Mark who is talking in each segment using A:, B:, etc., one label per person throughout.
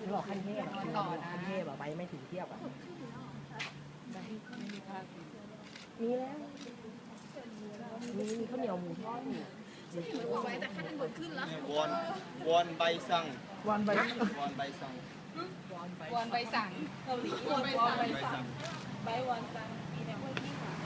A: บอกขั้นเทพขั้นเทพอะไปไม่ถึงเทียบอะมีแล้วมีข้าวเหนียวหมูทอดอยู่
B: ไว้แต่ค่าทางด่วนขึ้นแล้ว
C: วอนใบสั่ง
A: วันไป
C: วอนใบสั่ง
B: วอนใบสั่งเกาหลีวอนใบสั่งใบวอนสั่งมีแต่พวกที่ค่ะ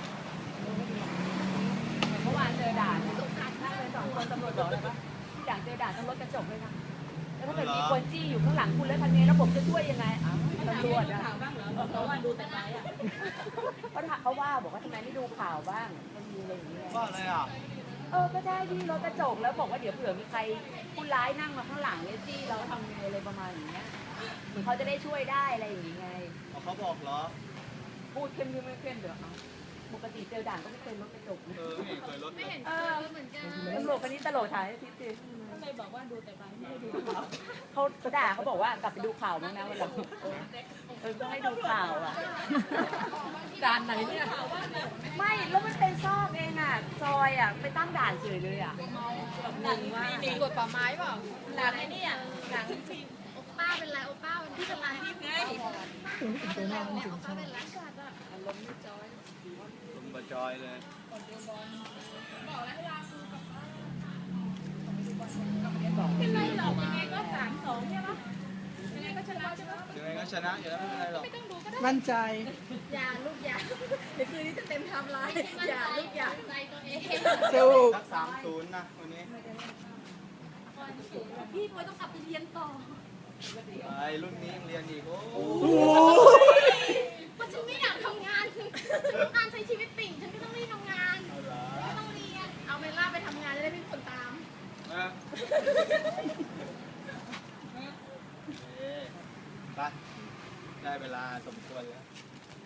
B: เมื่อวานเจอด่านสงสารมากเลยสองคนตำรวจบอกเลยว่าที่ด่านเจอด่านต้องรถกระจกเลยนะแล้วถ้าเกิดมีคนจี้อยู่ข้างหลังคุณแล้วทำไงแล้วผมจะช่วยยังไงตำรวจอะเขาว่าดูแต่ไลฟ์อะเขาว่าบอกว่าทำไมไม่ดูข่าวบ้างมันมีอะไรอย่างเงี้ย
C: ว่าอะไรอ่ะ
B: ก็ได้ที่รถกระจกแล้วบอกว่าเดี๋ยวเผื่อมีใครผู้ร้ายนั่งมาข้างหลังเนี่ยจี้เราทำยังไงอะไรประมาณอย่างเงี้ยเหมือนเขาจะได้ช่วยได้อะไรอย่างเงี้ย
C: เขาบอกเหรอ
B: พูดเข้มไม่เข้มเดี๋ยวปกติเจอด่านก็ไม่เคยรถกระจก
C: ไม่เคยรถเลย
B: เหมือนกันตำรวจคนนี้ตลกถ่ายให้ทิพย์สิก็เลยบอกว่าดูแต่ไปไม่ได้ดูข่าวเขาด่าเขาบอกว่ากลับไปดูข่าวมั้งนะวันหลังก็ให้ดูข่าวอ่ะด่านไหนเนี่ยไม่แล้วมันเป็นซอกเองอ่ะซอยอ่ะไปตั้งด่านเฉยเลยอ่ะหนังว่าตรวจป่าไม้เปล่าหนังไอ้นี่อ่ะหนังโอป้าเป็นไรโอป้าวันที่เป็นไรไง
A: ถึงตัวน้องถึงชอบ
B: เป็นไรสัตว์อ่ะลมไม่จอย
C: ลมบะจอยเลย
B: เป็นไรหรอกยังไงก็3-2ใช่ปะยังไงก็ชนะใช่ปะ
C: ยังไงก็ชนะอยู่แล้วไม่เป็นไรหรอก
B: ไม่ต้องดูก็ได้
A: มั่นใจ
B: อย่าลูกอย่าเดี๋ยวคืนนี้จะเต็มไทม์ไลน์อย่าลูกอย่าใจตัวเอง
A: สู้
C: สัก3-0นะวันนี้
B: พี่ปวยต้องกลับไปเรียนต่อ
C: ไอ้รุ่นนี้ยังเรียนอีกโอ้
B: เพราะฉันไม่อยากทำงานฉันต้องการใช้ชีวิตติ่งฉันก็ต้องรีบทำงาน
C: เอาเหรอ
B: ไม่ต้องเรียนเอาเมล่าไปทำงานจะได้ไม่มีคนตาม
C: ไปได้เวลาสมควรแล้ว